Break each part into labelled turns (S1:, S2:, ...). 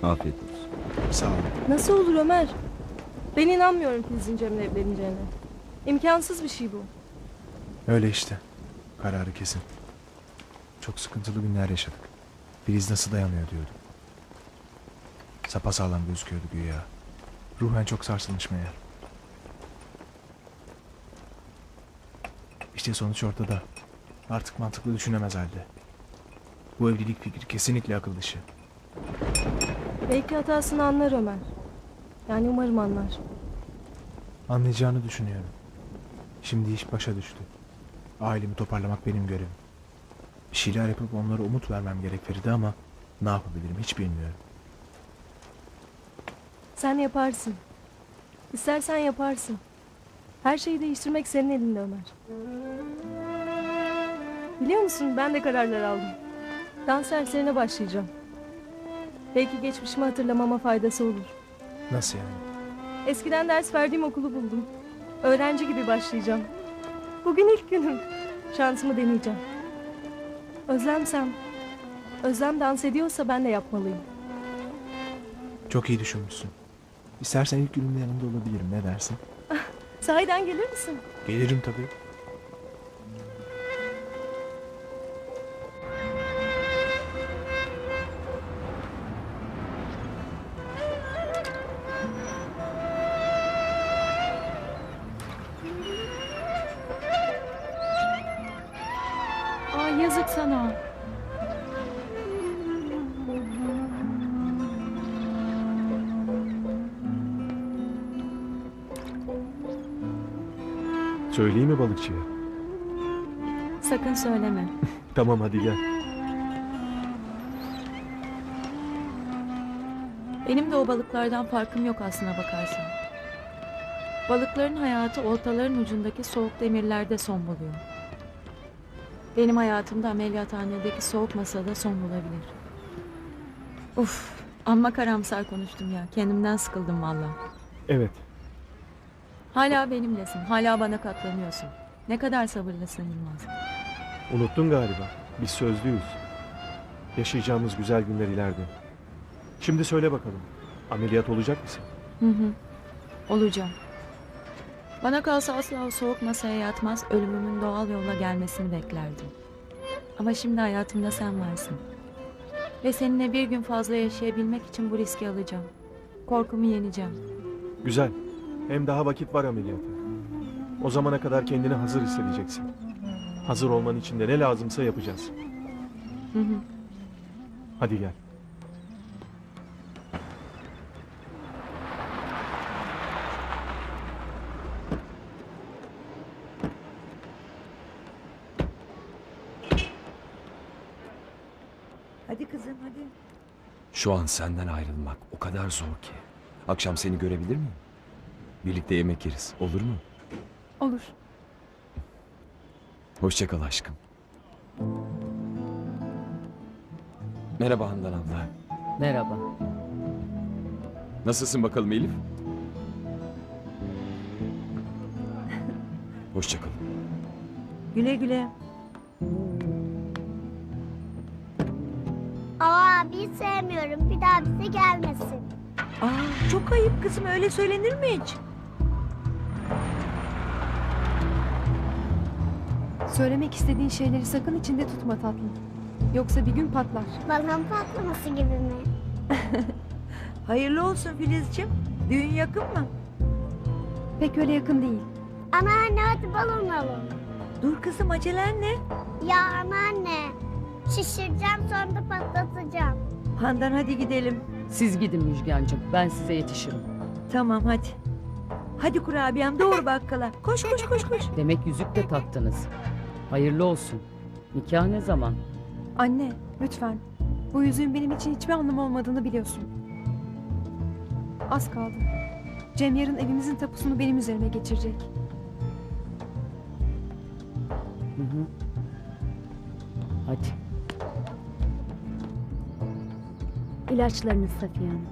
S1: Afiyet olsun.
S2: Sağ ol.
S3: Nasıl olur Ömer? Ben inanmıyorum Filiz'in Cem'le evleneceğine. İmkansız bir şey bu.
S2: Öyle işte. Kararı kesin. Çok sıkıntılı günler yaşadık. Filiz nasıl dayanıyor diyordum. Sapasağlam gözüküyordu güya. Ruhen çok sarsılmış meğer. İşte sonuç ortada. Artık mantıklı düşünemez halde. Bu evlilik fikri kesinlikle akıl dışı.
S3: Belki hatasını anlar Ömer. Yani umarım anlar.
S2: Anlayacağını düşünüyorum. Şimdi iş başa düştü. Ailemi toparlamak benim görevim. Bir şeyler yapıp onlara umut vermem gerek Feride ama ne yapabilirim hiç bilmiyorum.
S3: Sen yaparsın. İstersen yaparsın. Her şeyi değiştirmek senin elinde Ömer. Biliyor musun ben de kararlar aldım. Dans derslerine başlayacağım. Belki geçmişimi hatırlamama faydası olur.
S2: Nasıl yani?
S3: Eskiden ders verdiğim okulu buldum. Öğrenci gibi başlayacağım. Bugün ilk günüm. Şansımı deneyeceğim. Özlem dans ediyorsa ben de yapmalıyım.
S2: Çok iyi düşünmüşsün. İstersen ilk gününde yanında olabilirim. Ne dersin?
S3: Sahiden gelir misin?
S2: Gelirim tabii.
S4: Ay yazık sana.
S5: Söyleyeyim mi balıkçıya?
S4: Sakın söyleme.
S5: Tamam hadi gel.
S4: Benim de o balıklardan farkım yok aslına bakarsan. Balıkların hayatı oltaların ucundaki soğuk demirlerde son buluyor. Benim hayatımda ameliyathanedeki soğuk masada son bulabilir. Uf, amma karamsar konuştum ya. Kendimden sıkıldım valla.
S5: Evet.
S4: Hala benimlesin. Hala bana katlanıyorsun. Ne kadar sabırlısın Yılmaz.
S5: Unuttun galiba. Biz sözlüyüz. Yaşayacağımız güzel günler ileride. Şimdi söyle bakalım. Ameliyat olacak mısın?
S4: Hı hı. Olacağım. Bana kalsa asla o soğuk masaya yatmaz, ölümümün doğal yolla gelmesini beklerdim. Ama şimdi hayatımda sen varsın. Ve seninle bir gün fazla yaşayabilmek için bu riski alacağım. Korkumu yeneceğim.
S5: Güzel. Hem daha vakit var ameliyata. O zamana kadar kendini hazır hissedeceksin. Hazır olman için de ne lazımsa yapacağız.
S4: Hı hı.
S5: Hadi gel.
S6: Hadi kızım hadi.
S1: Şu an senden ayrılmak o kadar zor ki. Akşam seni görebilir miyim? Birlikte yemek yeriz. Olur mu?
S3: Olur.
S1: Hoşça kal aşkım. Merhaba Handan abla.
S6: Merhaba.
S1: Nasılsın bakalım Elif? Hoşça kal.
S6: Güle güle.
S7: Abi sevmiyorum. Bir daha bize gelmesin.
S6: Aa, çok ayıp kızım, öyle söylenir mi hiç?
S3: Söylemek istediğin şeyleri sakın içinde tutma tatlım. Yoksa bir gün patlar.
S7: Balon patlaması gibi mi?
S6: Hayırlı olsun Filizciğim. Düğün yakın mı?
S3: Pek öyle yakın değil.
S7: Anneanne hadi balon alalım.
S6: Dur kızım, acelen ne?
S7: Ya anneanne. Şişireceğim sonra da patlatacağım.
S6: Handan hadi gidelim.
S8: Siz gidin Müjgancığım. Ben size yetişirim.
S6: Tamam hadi. Hadi kurabiyem, doğru bakkala. Koş koş koş koş.
S8: Demek yüzük de taktınız. Hayırlı olsun. Nikah ne zaman?
S3: Anne, lütfen. Bu yüzüğün benim için hiçbir anlamı olmadığını biliyorsun. Az kaldı. Cem yarın evimizin tapusunu benim üzerime geçirecek.
S8: Hı hı. Hadi.
S3: İlaçlarınız Safiye Hanım.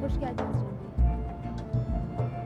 S3: Hoş geldiniz Cem Bey.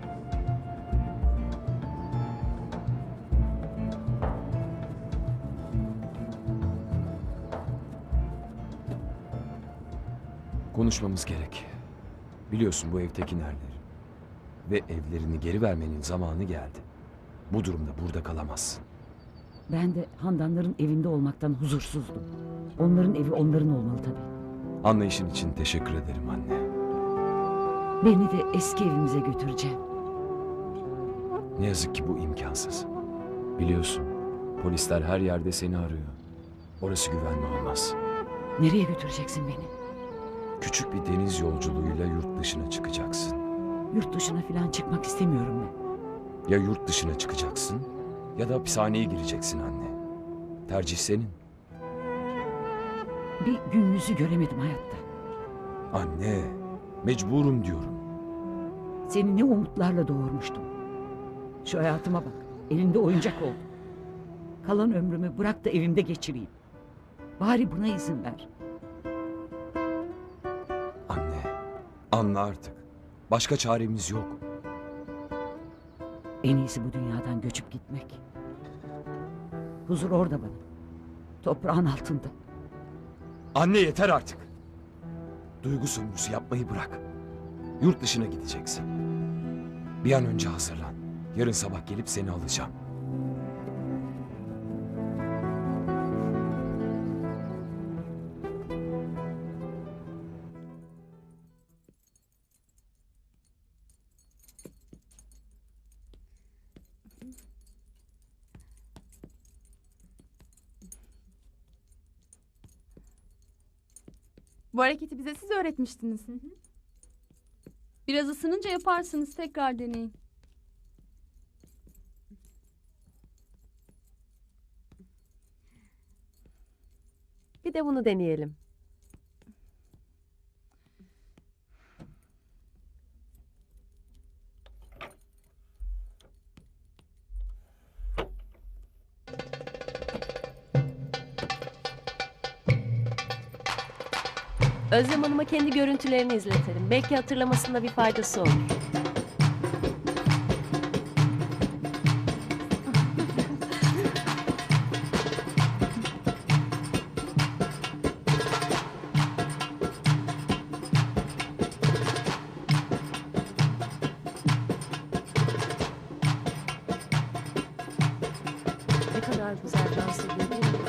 S1: Konuşmamız gerek. Biliyorsun bu ev Tekinerleri. Ve evlerini geri vermenin zamanı geldi. Bu durumda burada kalamazsın.
S8: Ben de Handanların evinde olmaktan huzursuzdum. Onların evi onların olmalı tabii.
S1: Anlayışın için teşekkür ederim anne.
S8: Beni de eski evimize götüreceğim.
S1: Ne yazık ki bu imkansız. Biliyorsun, polisler her yerde seni arıyor. Orası güvenli olmaz.
S8: Nereye götüreceksin beni?
S1: Küçük bir deniz yolculuğuyla yurt dışına çıkacaksın.
S8: Yurt dışına falan çıkmak istemiyorum ben.
S1: Ya yurt dışına çıkacaksın ya da hapishaneye gireceksin anne. Tercih senin.
S8: Bir gün yüzü göremedim hayatta.
S1: Anne, mecburum diyorum.
S8: Seni ne umutlarla doğurmuştum. Şu hayatıma bak. Elinde oyuncak oldum. Kalan ömrümü bırak da evimde geçireyim. Bari buna izin ver.
S1: Anne, anla artık. Başka çaremiz yok.
S8: En iyisi bu dünyadan göçüp gitmek. Huzur orada bana. Toprağın altında.
S1: Anne yeter artık. Duygu sömürüsü yapmayı bırak. Yurt dışına gideceksin. Bir an önce hazırlan. Yarın sabah gelip seni alacağım.
S9: Bu hareketi bize siz öğretmiştiniz. Biraz ısınınca yaparsınız. Tekrar deneyin.
S6: Bir de bunu deneyelim.
S10: Özlem Hanım'a kendi görüntülerini izletelim. Belki hatırlamasında bir faydası olur. Ne kadar güzel dans ediyor değil mi?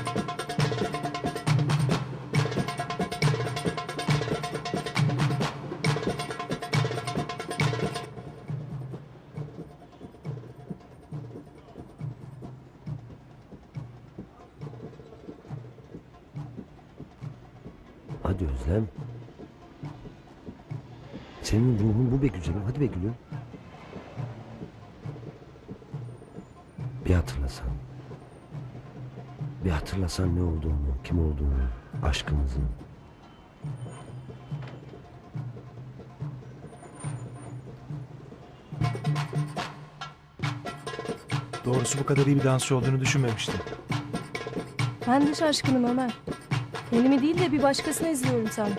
S11: Hadi Özlem. Senin ruhun bu be güzelim. Hadi be gülüm. Bir hatırlasan. Bir hatırlasan ne olduğunu, kim olduğunu, aşkımızı.
S2: Doğrusu bu kadar iyi bir dansçı olduğunu düşünmemiştim.
S9: Ben de şaşkınım Ömer. Kendimi değil de bir başkasını izliyorum sanki.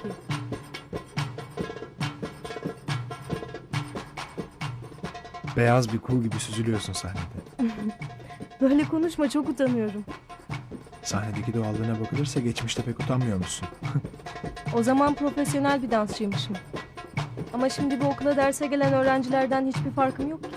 S2: Beyaz bir kul gibi süzülüyorsun sahnede.
S9: Böyle konuşma, çok utanıyorum.
S2: Sahnedeki doğallığına bakılırsa geçmişte pek utanmıyormuşsun.
S9: O zaman profesyonel bir dansçıymışım. Ama şimdi bu okula derse gelen öğrencilerden hiçbir farkım yok ki.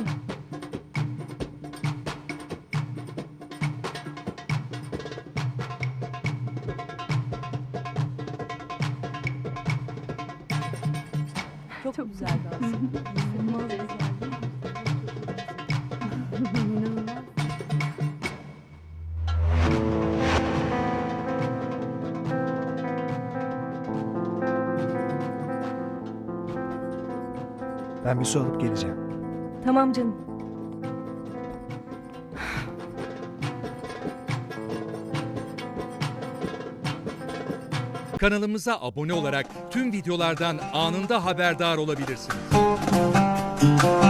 S9: Çok güzel dans. İnanılmaz güzel. İnanılmaz.
S2: Ben bir su alıp geleceğim.
S9: Tamam canım.
S12: Kanalımıza abone olarak tüm videolardan anında haberdar olabilirsiniz.